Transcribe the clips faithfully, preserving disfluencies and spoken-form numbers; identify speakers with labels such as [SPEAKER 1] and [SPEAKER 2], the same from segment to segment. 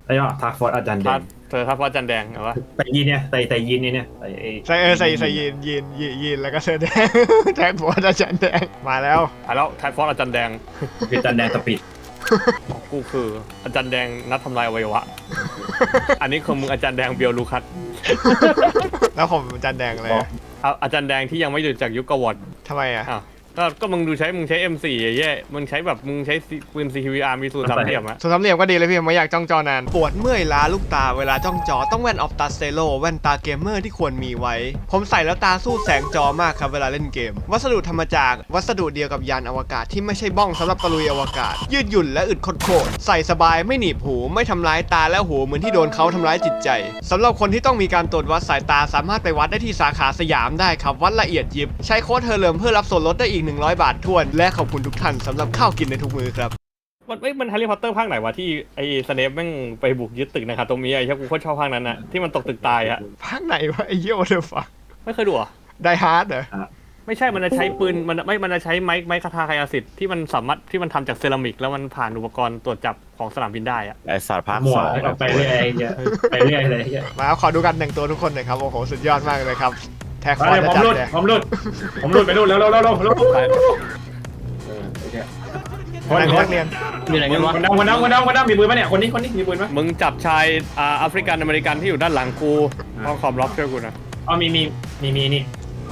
[SPEAKER 1] ไอ้ยอทาร์ฟอร์ดอาจารย์แดง
[SPEAKER 2] เธอทับว่าจันแดงเหรอวะ
[SPEAKER 1] ใส่ยีนเนี่ยใส่ใส่ยีนเนี่ยใส่ไอ้
[SPEAKER 3] ใส่เออใส่ใส่ยีนยีนยีนยีนแล้วก็เสื้อแดงแทนหัวอาจารย์แดงมาแล้ว
[SPEAKER 2] อ่ะแล้วไทฟอสอาจารย์แดง
[SPEAKER 1] คืออาจารย์แดงสปีด
[SPEAKER 2] กูคืออาจารย์แดงนัดทำลายอวัยวะ อันนี้คือมึงอาจารย์แดงเบียวลูคัส
[SPEAKER 3] แล้วผมอาจารย์แดงเลย
[SPEAKER 2] เอาอาจารย์แดงที่ยังไม่หยุดจากยุคกวอด
[SPEAKER 3] ทำไมอ่ะ
[SPEAKER 2] อ้าวก็ก็มึงดูใช้มึงใช้ เอ็ม โฟร์ แย่ๆมึงใช้แบบมึงใช้ปืน ซี คิว อาร์ มีสูตรสามเหลี่ยมอะ
[SPEAKER 3] ส่วนสามเหลี่ยมก็ดีเลยพี่ไม่อยากจ้องจอนานปวดเมื่อยล้าลูกตาเวลาจ้องจอต้องแว่นออฟตาสเตโลแว่นตาเกมเมอร์ที่ควรมีไว้ ผมใส่แล้วตาสู้แสงจอมากครับเวลาเล่นเกม วัสดุทำมาจากวัสดุเดียวกับยานอวกาศที่ไม่ใช่บ้องสำหรับตะลุยอวกาศ ยืดหยุ่นและอึดโคตรๆใส่สบายไม่หนีบหูไม่ทำร้ายตาและหูเหมือนที่โดนเขาทำร้ายจิตใจสำหรับคนที่ต้องมีการตรวจวัดสายตาสามารถไปวัดได้ที่สาขาสยามได้ครับวัดละเอียดยิบใช้โค้ดเฮอร์เลิมเพื่อรับส่วนลดได้อีกหนึ่งร้อยบาททวนและขอบคุณทุกท่านสำหรับข้าวกินในทุกมื้อครับ
[SPEAKER 2] มันเอ้ยมันแฮร์รี่พอตเตอร์ภาคไหนวะที่ไอ้สเนปแม่งไปบุกยึดตึกนะครับตรงนี้ไอ้เช่กูโคตรชอบภาคนั้นอะที่มันตกตึกตายอะ
[SPEAKER 3] ภาคไหนวะไอ้เหี้ยโอเดอร์ฟัง
[SPEAKER 2] ไม่เคยดูเหรอ่ะ
[SPEAKER 3] ไดฮาร์ดเหรอ
[SPEAKER 2] ไม่ใช่มันจะใช้ปืนมันไม่มันจะใช้ไม้ไม้คาทาไคอาสิทธิ์ที่มันสามารถที่มันทำจากเซรามิกแล้วมันผ่านอุปกรณ์ตรวจจับของสนามบินได้อะ
[SPEAKER 4] ไอสัตว์ภาค
[SPEAKER 1] หมว
[SPEAKER 4] ส
[SPEAKER 1] ด
[SPEAKER 4] อง
[SPEAKER 1] แล้วก็ไปเรื่อยเงี้ยไปเรื่อยเลยเงี้ย
[SPEAKER 3] มาขอดูกันแต่งตัวทุกคนหน่อยครับ โอ้โห สุดยอดมากเลยครับ แท็กค
[SPEAKER 1] มา
[SPEAKER 3] อร์
[SPEAKER 1] เลย
[SPEAKER 3] จะ
[SPEAKER 1] ผม
[SPEAKER 3] จัด
[SPEAKER 1] รุด
[SPEAKER 3] เลย
[SPEAKER 1] ผมรุดผมรุดไปรุดแล้วแล้วแล้วแล้วคน
[SPEAKER 3] นัก
[SPEAKER 1] คน
[SPEAKER 3] เรียน
[SPEAKER 4] อยู่ไหนกันวะ
[SPEAKER 1] คนนั่งคนนั่งคนนั่งคนนั่งมีปืนปะเนี่ยคนนี้คนนี้มีปืนปะ
[SPEAKER 2] มึงจับชายอ่าแอฟริกันอเมริกันที่อยู่ด้านหลังกูห้องคอมล็อกช่วยกูนะ
[SPEAKER 1] อ๋อมีมีมีมีนี่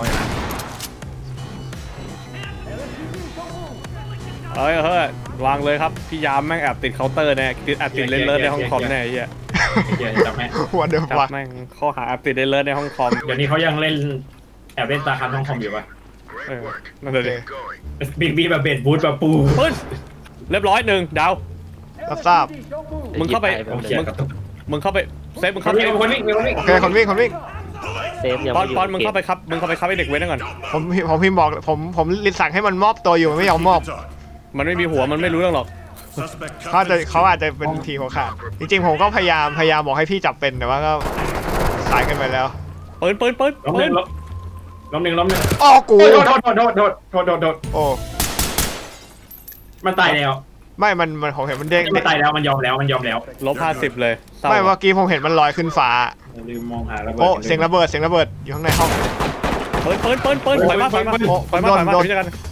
[SPEAKER 2] เฮ้ยเฮ้ยวางเลยครับพี่ยามแม่งแอบติดเคาน์เตอร์แน่ติดแอบติดเลนเลอร์ในห้องคอมแน่ไอ้เหี้ย
[SPEAKER 1] เดี๋ยวจำแม่
[SPEAKER 3] หัวเดือด
[SPEAKER 2] จับ
[SPEAKER 3] ว่ะ
[SPEAKER 2] แม่งข้อหาแอบติดเลนเลอร์ในห้องคอม
[SPEAKER 1] เดี๋ยวนี้เขายังเล่นแอบเล่นตาคันห้องคอมอยู่ปะ
[SPEAKER 2] เออนั่นเลย
[SPEAKER 1] บิ๊กบีแบบเบดบูทแบบปู
[SPEAKER 2] ปึ๊ดเรียบร้อยหนึ่งดาว
[SPEAKER 3] รับทราบ
[SPEAKER 2] มึงเข้าไป
[SPEAKER 1] โอเคครับ
[SPEAKER 2] มึงเข้าไปเซฟมึง
[SPEAKER 1] ค
[SPEAKER 2] เข้าน ไป
[SPEAKER 1] วิ่งคนวิ่งคนวิ่ง
[SPEAKER 3] โอเค คนวิ่ง คนวิ่ง
[SPEAKER 4] เซฟยัง
[SPEAKER 2] ปอน
[SPEAKER 4] ไม่อยู่
[SPEAKER 2] ปอนมึงเข้าไปครับมึงเข้าไปครับไอ้เด็กเว้นนั่นก่อน
[SPEAKER 3] ผมผมพิมพ์บอก ผม ผมลิสั่งให้มันมอบตัวอยู่มันไม่ยอมมอบ
[SPEAKER 2] มันไม่มีหัวมันไม่รู้เรื่องหรอก
[SPEAKER 3] เขาอาจจะเขาอาจจะเป็นทีหัวขาด จริงๆ ผมก็พยายาม พยายามบอกให้พี่จับเป็นแต่ว่าก็สายกันไปแล้ว
[SPEAKER 2] ปืนปืนปืน
[SPEAKER 1] ล้มห
[SPEAKER 2] ปื
[SPEAKER 1] นึ่
[SPEAKER 2] น
[SPEAKER 1] งล้มหนึ่งล้มหนึ่ง
[SPEAKER 3] อ้อกู
[SPEAKER 1] โดดโดดโดดโดดโดดโดดโดด
[SPEAKER 3] โอ้
[SPEAKER 1] มันตายแล้ว
[SPEAKER 3] ไม่ มัน มันผมเห็นมันเด้ง
[SPEAKER 1] มันตายแล้วมันยอมแล้วมันยอมแล้ว
[SPEAKER 2] ลบห้าสิบเลยเศร้า
[SPEAKER 3] ไม่เมื่อกี้ผมเห็นมันลอยขึ้นฟ้า
[SPEAKER 1] ลืมมองหาระเบิด
[SPEAKER 3] โอ้ เสียงระเบิด เสียงระเบิด อยู่ข้างในห้อง
[SPEAKER 2] ปืนปืนปืนปืนถอยมาถอยมา
[SPEAKER 3] โอ้
[SPEAKER 2] ถอยมาถอยมา
[SPEAKER 3] โดน
[SPEAKER 2] ถอยมากัน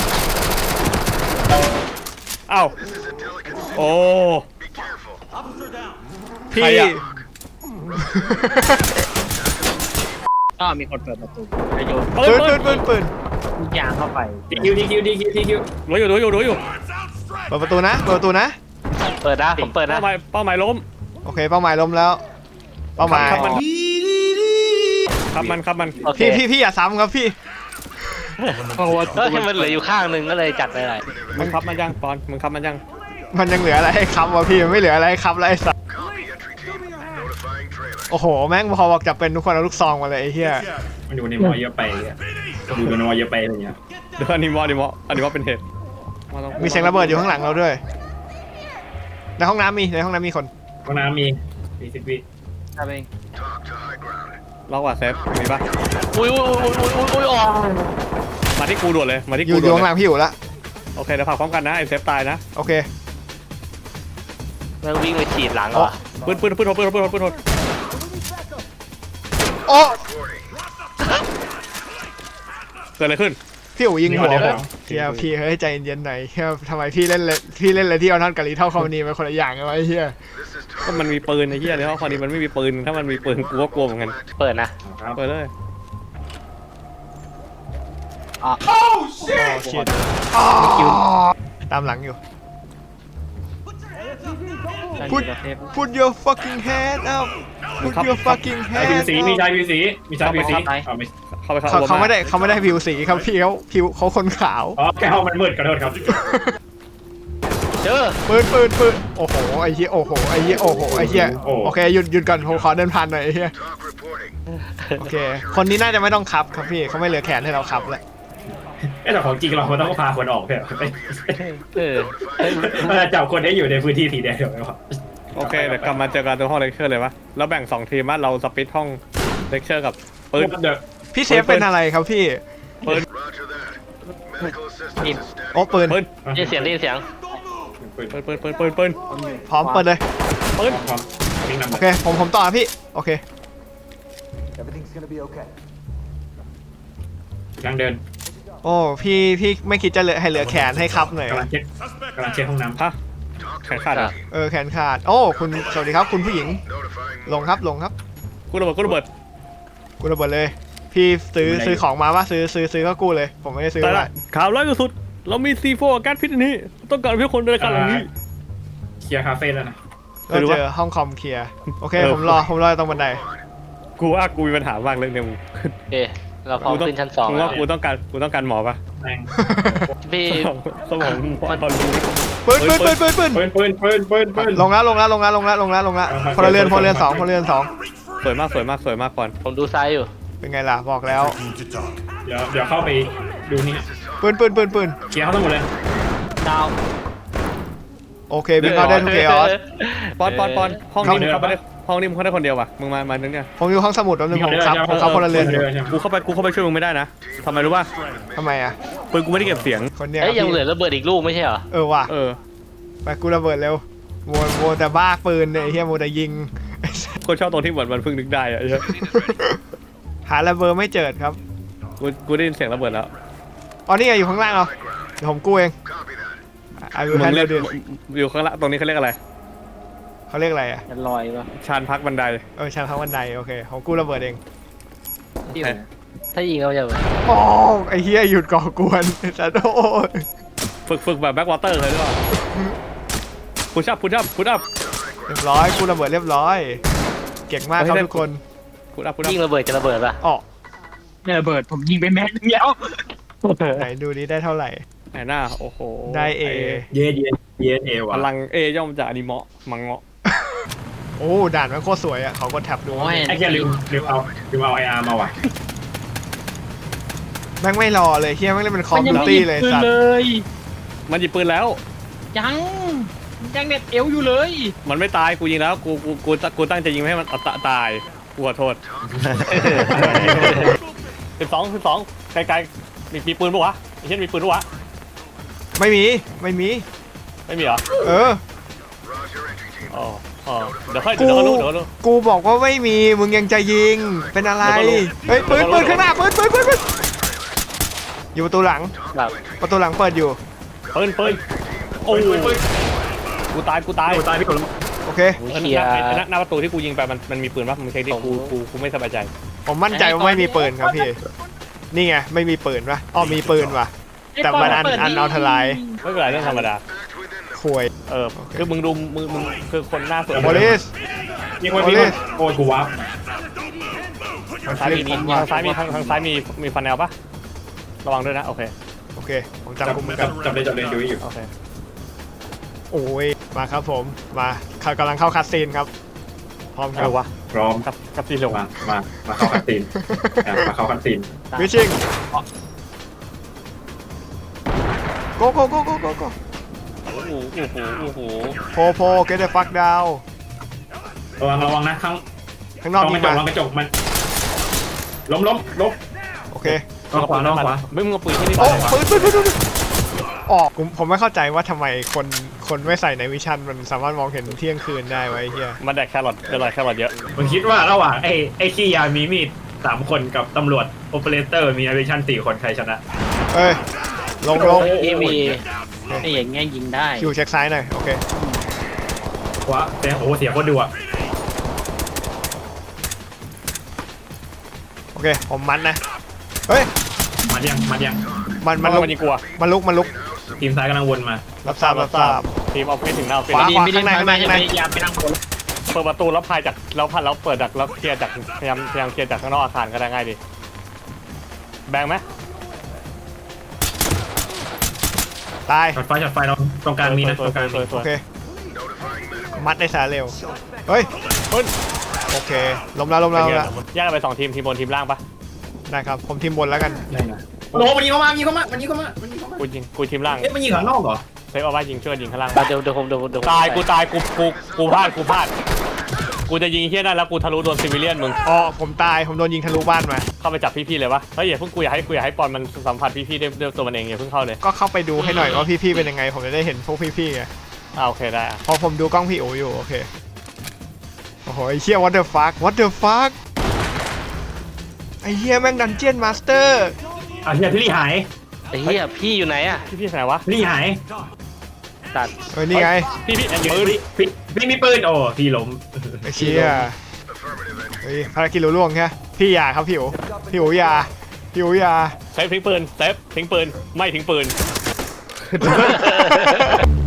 [SPEAKER 2] อ้าวโอ้
[SPEAKER 3] พี่
[SPEAKER 2] ใครอะ
[SPEAKER 4] ก็มีคนเปิดประตูจะโยน
[SPEAKER 2] ปืน
[SPEAKER 3] ปืน
[SPEAKER 2] ปื
[SPEAKER 3] ปื
[SPEAKER 2] น
[SPEAKER 3] นปืนปืน
[SPEAKER 4] ทุกอย่างเข้าไป
[SPEAKER 1] ดีคิวดีคิวดีคิวดีคิว
[SPEAKER 2] รู้อยู่รู้อยู่รู้อยู่
[SPEAKER 3] เปิดประตูนะ เปิดประตูนะ
[SPEAKER 4] เปิดนะผมเปิดนะ
[SPEAKER 2] เป้าหมายเป้าหมายล้ม
[SPEAKER 3] โอเค เป้าหมายล้มแล้ว เป้าหมาย
[SPEAKER 2] ครับมันครับมันครับมัน
[SPEAKER 4] โอเค
[SPEAKER 3] พี่พี่พี่อย่าซ้ำครับพี่
[SPEAKER 4] ก็แค่มันเหลืออยู่ข้างหนึงก็เลยจัดไปเลย
[SPEAKER 2] มึงครับมันยังปอนมึงครับมันยัง
[SPEAKER 3] มันยังเหลืออะไรให้ค้ำวะพี่มันไม่เหลืออะไรให้ค้ำแล้วไอ้สัสโอ้โหแม่งพอบอกจะเป็นทุกคนเอาลูกซองมาเลยไอ้เหี้ย
[SPEAKER 1] มันอยู่ในมอเยอะไปดูในมอเยอะไปอะไรเงี้ย
[SPEAKER 2] เดี๋ยวอันนี้มออันนี้มออันนี้มอเป็นเหตุ
[SPEAKER 3] มีเสียงระเบิดอยู่ข้างหลังเราด้วยในห้องน้ำมีในห้องน้ำมีคน
[SPEAKER 1] ห้องน้ำมีมีสิบวิ
[SPEAKER 4] ทำเอง
[SPEAKER 2] ล็อกว่าเซฟมีปะ
[SPEAKER 4] อุ้ยอุ้ยอุ้ยอุ้ยอุ้ยอุ้ยออก
[SPEAKER 2] มาที่กูด่วนเลยมาที่
[SPEAKER 3] อ
[SPEAKER 2] กู
[SPEAKER 3] ยู่อ
[SPEAKER 2] ด่
[SPEAKER 3] ยู่
[SPEAKER 2] วน
[SPEAKER 3] ข้างห
[SPEAKER 2] เล
[SPEAKER 3] ลั
[SPEAKER 2] ย
[SPEAKER 3] งพี่อยู่ละ
[SPEAKER 2] โอเคเดี๋ยวผลักพร้อมกันนะไอ้เซฟตายนะ
[SPEAKER 3] โอเค
[SPEAKER 4] แล้ววิ่งไปฉีดหลังเหรอ
[SPEAKER 2] ปืนปืนปืนโทษปืนโทษปืนโทษปืนโทษ
[SPEAKER 3] โอ้
[SPEAKER 2] เกิดอะไรขึ้น
[SPEAKER 3] พี่อู๋ยิงหัวผมเฮียพี่เฮ้ยใจเย็นๆหน่อยเฮียทำไมพี่เล่นเลยพี่เล่นเลยที่เอาท่อนกะลีเท่าคอมมานีเป็นคนละอย่างกันวะไอ้เฮีย
[SPEAKER 2] ก็มันมีปืนไอ้เหี้ยในห้องคอนนี้มันไม่มีปืนถ้ามันมีปืนกูก็กลัวเหมือนกัน
[SPEAKER 4] เปิดนะ
[SPEAKER 1] ครับ
[SPEAKER 2] เปิดเลย
[SPEAKER 4] อ๋อ
[SPEAKER 3] โอ้ชิตตามหลังอยู่ พูด Put your fucking hand up Put your fucking
[SPEAKER 1] ชายผิว
[SPEAKER 3] hand
[SPEAKER 1] สีมี
[SPEAKER 3] up
[SPEAKER 1] ชายผิวสีมีชายผิวสีอ๋อไม่
[SPEAKER 2] เข้าไปเข้า
[SPEAKER 3] เขาเขาไม่ได้เขาไม่ได้ผิวสีครับพี่เขาผิวเขาคนขาว
[SPEAKER 1] อ๋อแก้วมันมืดขอโทษครับ
[SPEAKER 4] เจอ
[SPEAKER 3] ปืนปืนปืนโอ้โหไอ้เหี้ยโอ้โหไอ้เหี้ยโอ้โหไอ้เหี้ยโอเคหยุดหยุดก่อนผมขอเดินผ่านหน่อยไอ้เหี้ยโอเคคนนี้น่าจะไม่ต้องคับครับพี่เขาไม่เหลือแขนให้เราคับแล้ว
[SPEAKER 1] แต่ของจริงเราควรต้องพาคนออกเถอะ
[SPEAKER 4] เออ
[SPEAKER 1] จับคนให้อยู่ในพื้นที่สีแดงเดี๋ยวไม่พอ
[SPEAKER 2] โอเคเดี๋ยวกลับมาเจอกันตรงห้องเลคเชอร์เลยวะแล้วแบ่งสองทีมว่าเราสปิทห้องเลคเชอร์กับปืน
[SPEAKER 1] เดี๋ยว
[SPEAKER 3] พี่เซฟเป็นอะไรครับพี่
[SPEAKER 2] ปืน
[SPEAKER 4] กิน
[SPEAKER 3] โอ้ปืน
[SPEAKER 2] ปืน
[SPEAKER 4] ได้ยินเสียงได้ยินเสียง
[SPEAKER 2] ปืนปืนปืนปืนปืน
[SPEAKER 3] พร้อมเปิดเลย
[SPEAKER 2] ปืน
[SPEAKER 1] พร้อมวิ่งนำ
[SPEAKER 3] โอเคผมผมต่อพี่โอเค
[SPEAKER 5] Everything's gonna be okay.
[SPEAKER 1] ยังเดิน
[SPEAKER 3] โอ้พี่พี่ไม่คิดจะเหลือให้เหลือแขนให้ครับหน่อย
[SPEAKER 1] กำลังเช็คกำลังเช็คห้องน้ำ
[SPEAKER 2] ฮะแขนขาดเหรอ
[SPEAKER 3] เออแขนขาดโอ้คุณสวัสดีครับคุณผู้หญิงลงครับลงครับ
[SPEAKER 2] กูระเบิดกูระเบิด
[SPEAKER 3] กูระเบิดเลย พี่ซื้อซื้อของมาว่าซื้อซื้อซื้อก็กู้เลย ผมไม่ได้ซื้อ
[SPEAKER 2] แต่
[SPEAKER 3] มา
[SPEAKER 2] ละข่าวร้ายสุดเรามีซีโฟแก๊สพิษอันนี้ต้องการเพื่อคนในการหลังนี้
[SPEAKER 1] เคลียร์คาเฟ่แล้วนะ
[SPEAKER 3] เราเจอห้องคอมเคลียร์โอเค
[SPEAKER 2] เออ
[SPEAKER 3] ผมรอผมรอตรงบันได
[SPEAKER 2] กูว่ากูมีปัญหามากเรื่องเนี้ยมึง
[SPEAKER 4] โอเคเราพร้อมขึ้นชั้นสอง
[SPEAKER 2] มึง
[SPEAKER 4] แล้
[SPEAKER 2] ว่าว กูต้องการกูต้องการหมอปะ
[SPEAKER 1] แม่ง
[SPEAKER 4] พี่
[SPEAKER 2] สมองมึงพอตอนรู้
[SPEAKER 3] ปืนปืนปืนปืนปืน
[SPEAKER 1] ปืนปืนปืนปืนปืน
[SPEAKER 3] ลงแล้วลงแล้วลงแล้วลงแล้วลงแล้วลงแล้วพลเรือนพลเรือนสองพลเรือนสอง
[SPEAKER 2] สวยมากสวยมากสวยมากก่อน
[SPEAKER 4] ผมดูซ้ายอยู่
[SPEAKER 3] เป็นไงล่ะบอกแล้ว
[SPEAKER 1] เดี๋ยวเดี๋ยวเข้าไปดูนี่
[SPEAKER 3] ปืนปืนปืนปืน
[SPEAKER 1] เคลียร์เขาทั้งหมดเลย
[SPEAKER 4] ดาว
[SPEAKER 3] โอเคบิงเอาได้ทุกเกออส
[SPEAKER 2] ปอนปอนปอนห้องนี้มึงเข้าไปได้ห้องนี้มึงเข้าได้คนเดียววะมึงมามานึงเนี่ย
[SPEAKER 3] ผมอยู่ห้องสมุดแป๊บนึงผมครับผมครับพลเรือนอยู่
[SPEAKER 2] กูเข้าไปกูเข้าไปช่วยมึงไม่ได้นะทำไมรู้ป่ะ
[SPEAKER 3] ทำไมอ่ะ
[SPEAKER 2] ปืนกูไม่ได้เก็บเสียง
[SPEAKER 3] คนเนี้ย
[SPEAKER 4] เอ้ยยัง
[SPEAKER 3] พี่
[SPEAKER 4] เหลือระเบิดอีกลูกไม่ใช่เหรอ
[SPEAKER 3] เออว่ะ
[SPEAKER 2] เออ
[SPEAKER 3] ไปกูระเบิดเร็วโมโมแต่บ้าปืนเนี่ยไอ้เฮียโมแต่ยิง
[SPEAKER 2] คนชอบตรงที่เหมือนมันเพิ่งนึกได้อะไอ้เหี้ย
[SPEAKER 3] หาระเบิดไม่เจอครับ
[SPEAKER 2] กูกูได้ยินเสียงระเบิดแล้ว
[SPEAKER 3] อ๋อนี่ไงอยู่ข้างล่างเหรอเดี๋ยวผมกู้เองอายุ
[SPEAKER 2] มึ
[SPEAKER 3] แฮ
[SPEAKER 2] ง
[SPEAKER 3] น
[SPEAKER 2] เรี
[SPEAKER 3] เดิ
[SPEAKER 2] ยก
[SPEAKER 3] น
[SPEAKER 2] อยู่ข้างล่างตรงนี้เขาเรียกอะไร
[SPEAKER 3] เขาเรียกอะไรอ่ะ
[SPEAKER 4] มันลอยปะ
[SPEAKER 2] ชานพักบันได
[SPEAKER 3] เออชั้นข้างบันไดโอเคผมกู้ระเบิดเอง
[SPEAKER 4] ที่ผมถ้ายิงเขาจะแบบ
[SPEAKER 3] โอ้ไอ้เฮียหยุดก่อกวนไอ้สัตว์โอ้ย
[SPEAKER 2] ฝึกฝึกแบบแบ็กวอเตอร์เลยหรือเปล่าพุชอัพพุชอัพพุชอัพ
[SPEAKER 3] เรียบร้อยกู้ระเบิดเรียบร้อย เก่งมากครับ
[SPEAKER 2] เฮ้ย
[SPEAKER 3] ทุกคน
[SPEAKER 2] พุชอัพพุชอัพ
[SPEAKER 4] ยิงระเบิดจะระเบิดปะ
[SPEAKER 3] อ๋อ
[SPEAKER 6] เนี่ยระเบิดผมยิงไปแม็กนึงแล้ว
[SPEAKER 3] ไหนดูนี้ได้เท่าไหร่
[SPEAKER 2] ไหนหน้าโอ้โห
[SPEAKER 3] ได้ A
[SPEAKER 1] เย็นเย็นเย็นเอ
[SPEAKER 2] พ
[SPEAKER 1] ว่ะ
[SPEAKER 2] ลังเอย่อมจากอนิเมะมังเงาะ
[SPEAKER 3] โอ้ด่านมันโคตรสวยอ่ะเขากดแท็บดู
[SPEAKER 6] โอ้ย
[SPEAKER 1] ไอ้แกลืมลืมเอาลืมเอาไออาร์มาว่ะ
[SPEAKER 3] แม่งไม่รอเลยเฮียแม่งเล่นเป็นคอ
[SPEAKER 6] มั
[SPEAKER 3] ม
[SPEAKER 6] นยัง
[SPEAKER 3] พิว
[SPEAKER 6] ไม่
[SPEAKER 3] ตี้
[SPEAKER 6] หยิบ
[SPEAKER 3] เลย
[SPEAKER 6] ปืน
[SPEAKER 3] สัตว์
[SPEAKER 6] เลย
[SPEAKER 2] มันหยิบปืนแล้ว
[SPEAKER 6] ยังยังเน็ตเอวอยู่เลย
[SPEAKER 2] มันไม่ตายกูยิงแล้วกูกูกูกูตั้งใจยิงไม่ให้มันตะตายกูขอโทษสิบสองสิบสองไกลๆมีมีปืนปะวะไอ้เช่นมีปืนปะวะ
[SPEAKER 3] ไม่มีไม่มี
[SPEAKER 2] ไม่มีเหรอ
[SPEAKER 3] เออ
[SPEAKER 2] อ๋ออ๋อเดี๋ยวค่อยเดี๋ยวก็รู้เดี๋ยวก็รู้
[SPEAKER 3] กูบอกว่าไม่มีมึงยังจะยิงเป็นอะไร
[SPEAKER 2] เดี๋ยวก็รู้
[SPEAKER 3] เฮ้ยปืนปืนข้างหน้าปืนปืนปืนปืนอยู่ประตูหลัง
[SPEAKER 4] แบบ
[SPEAKER 3] ประตูหลังเปิดอยู่
[SPEAKER 2] ปืนปืนโอ้ยกูตายกูตาย
[SPEAKER 1] โอ้ตายพี่คน
[SPEAKER 3] โอเค
[SPEAKER 2] เออหน้าหน้าหน้าประตูที่กูยิงไปมันมันมีปืนปะมันใช่ที่กูกูกูไม่สบายใจ
[SPEAKER 3] ผมมั่นใจว่าไม่มีปืนครับพี่นี่ไงไม่มีปืนปะอ๋อมีปืนว่ะ แต่มันอันอันเอาทลาย
[SPEAKER 2] ไม่เป็นไรเรื่องธรรมดา
[SPEAKER 3] ควย
[SPEAKER 2] เออคือมึงดูมึงมึงคือคนหน้าสวย
[SPEAKER 3] โมลิส
[SPEAKER 1] มีคนมีคนโอ้ยกูวับ
[SPEAKER 2] ทางซ้ายมีทางซ้ายมีทางทางซ้ายมีมีฟันแนลปะระวังด้วยนะโอเค
[SPEAKER 3] โอเคผมจำ
[SPEAKER 1] จับ
[SPEAKER 3] กุมมือ
[SPEAKER 1] จั
[SPEAKER 3] กับ น
[SPEAKER 1] จับเลยจับเลยดูอยู่
[SPEAKER 2] โอเค
[SPEAKER 3] โอ้ยมาครับผมมาเขากำลังเข้าคัสซีนครับพร้อมค
[SPEAKER 2] เอ
[SPEAKER 3] รับ
[SPEAKER 2] อวะ
[SPEAKER 1] พร้อม
[SPEAKER 2] กับกับซีเรียล
[SPEAKER 1] มามามาเข้าคันซีนอ่ะมาเข้าคันซีน
[SPEAKER 3] วิชิงโกโกโกโกโกโก
[SPEAKER 2] โอ้โหโอ้โหโอ้โห
[SPEAKER 3] โพโพ get the fuck down
[SPEAKER 1] ระวังระวังนะข้าง
[SPEAKER 3] ข้างนอก
[SPEAKER 1] ต้อง
[SPEAKER 3] ยิ
[SPEAKER 1] ก
[SPEAKER 3] ง
[SPEAKER 1] ระจก
[SPEAKER 3] มา
[SPEAKER 1] ลองกระจกมันล้มล้มล้ม
[SPEAKER 3] โอเค
[SPEAKER 1] น้องขวาน้องขวา
[SPEAKER 2] ไม่มึงเอาปืนที่นี่
[SPEAKER 3] โอ้
[SPEAKER 2] ไป
[SPEAKER 3] ปืนปืนปืนปืนออกผมผมไม่เข้าใจว่าทำไมคนคนไม่ใส่ในวิชั่นมันสามารถมองเห็นเที่ยงคืนได้ไวะไอ้เฮีย
[SPEAKER 2] มันแดกแครอทเดี๋ยวหน่อยแครอทเยอะ
[SPEAKER 1] ผมคิดว่าระหว่างไอ้ไอ้ขี้ยามีมีดสามคนกับตำรวจโอเปอเรเตอร์มีอเวชั่นสี่คนใครชนะ
[SPEAKER 3] เอ้ยลงลง
[SPEAKER 4] ที่มี
[SPEAKER 6] ไอ้อย่างเงี้ยยิงได้
[SPEAKER 3] คิวเช็คซ้ายหน่อยโอเค
[SPEAKER 1] ขวาแต่โอ้เสียคนดูอ่ะ
[SPEAKER 3] โอเคผมมันนะเฮ้ย
[SPEAKER 1] มันยังมันยัง
[SPEAKER 3] มัน
[SPEAKER 2] มั
[SPEAKER 3] มัน นลุก
[SPEAKER 2] มันยิงกลัว
[SPEAKER 3] มันลุกมันลุก
[SPEAKER 1] ทีมซ้ายกำลังวนมา
[SPEAKER 3] รับทราบรับทราบ
[SPEAKER 2] ทีมเอาฟิตถึงหน้าฟิต
[SPEAKER 3] ขวา
[SPEAKER 6] ไม่
[SPEAKER 3] ขวา
[SPEAKER 6] ไม่ได้
[SPEAKER 3] ข้างใน
[SPEAKER 6] ไม่ไม่
[SPEAKER 3] ข้างใน
[SPEAKER 6] พยายามไปนั่งบน
[SPEAKER 2] เปิดประตูแล้วพายจากแล้วพันแล้วเปิดจากแล้วเคลียร์จากพยายามพยายามเคลียร์จากข้างนอกอาคารก็ได้ง่ายดีแบงไหม
[SPEAKER 3] ตาย
[SPEAKER 1] ช็อตไฟช็อตไฟเราตรงกลางมีนะตรงกลาง
[SPEAKER 2] สวยส
[SPEAKER 3] โอ
[SPEAKER 2] วย
[SPEAKER 3] เค มัดได้สายเร็วเฮ้ย
[SPEAKER 2] เฮ้ย
[SPEAKER 3] โอเคล้มแล้วล้มแล้วล้มแล้ว
[SPEAKER 2] แยกกันไปสองทีมทีมบนทีมล่างปะ
[SPEAKER 3] ได้ครับผมทีมบนแล้วกัน
[SPEAKER 1] ได้นะโอ้โหมันยิงเข้ามามันยิงเข้ามามันยิงเข้ามามันยิงเข้ามา
[SPEAKER 2] กูยิงกูทีมล่าง
[SPEAKER 1] เอ๊ะมันยิงข้างนอกเหรอ
[SPEAKER 2] เซฟเอาไว้ยิงช่วยยิงข้างล่าง
[SPEAKER 4] เดี๋ยวเดี๋ยวผมเดี๋ยวผมเดี๋ยวผม
[SPEAKER 2] ตายกูตายกูกูกูพลาดกูพลาดกูจะยิงเฮี้ยนั่นแล้วกูทะลุโดนซิวิเลียนมึง
[SPEAKER 3] อ๋อผมตายผมโดนยิงทะลุบ้านมา
[SPEAKER 2] เข้าไปจับพี่ๆเลยวะเฮ้ยอย่าเพิ่งกูอยากให้กูอยากให้ปอนมันสัมผัสพี่ๆด้วยด้วยตัวมันเองอย่าเพิ่งเข้าเลย
[SPEAKER 3] ก็เข้าไปดูให้หน่อยว่าพี่ๆเป็นยังไง ผมจะได้เห็นพวกพี่ๆไง
[SPEAKER 2] อ่าโอเคได้อะ
[SPEAKER 3] พอผมดูกล้องพี่โออยู่โอเคโอ้โหไอ้เหี้ย what the fuck what the fuck ไอ้เหี้ยแม่งดันเจียนมาสเตอร์
[SPEAKER 1] เอาเฮียพี่ลี่หาย
[SPEAKER 4] ไอ้เหี้ยพี่อยู่ไหนอะ
[SPEAKER 2] พี่พี่ไหนวะ
[SPEAKER 1] พี่ลี่หาย
[SPEAKER 2] ตัด
[SPEAKER 3] เออนี่ไง
[SPEAKER 2] พี่พี่แอนปืน
[SPEAKER 1] พี่พี่พี่มีปืนโอ้พี่ล้ม
[SPEAKER 3] ไอ้เชี่ยเฮ้ยภารกิจรู้ล่วงแค่พี่อยาครับพี่อูพี่อูอยาพี่อูอยา
[SPEAKER 2] เซฟทิ้งปืนเซฟทิ้งปืนไม่ทิ้งปืน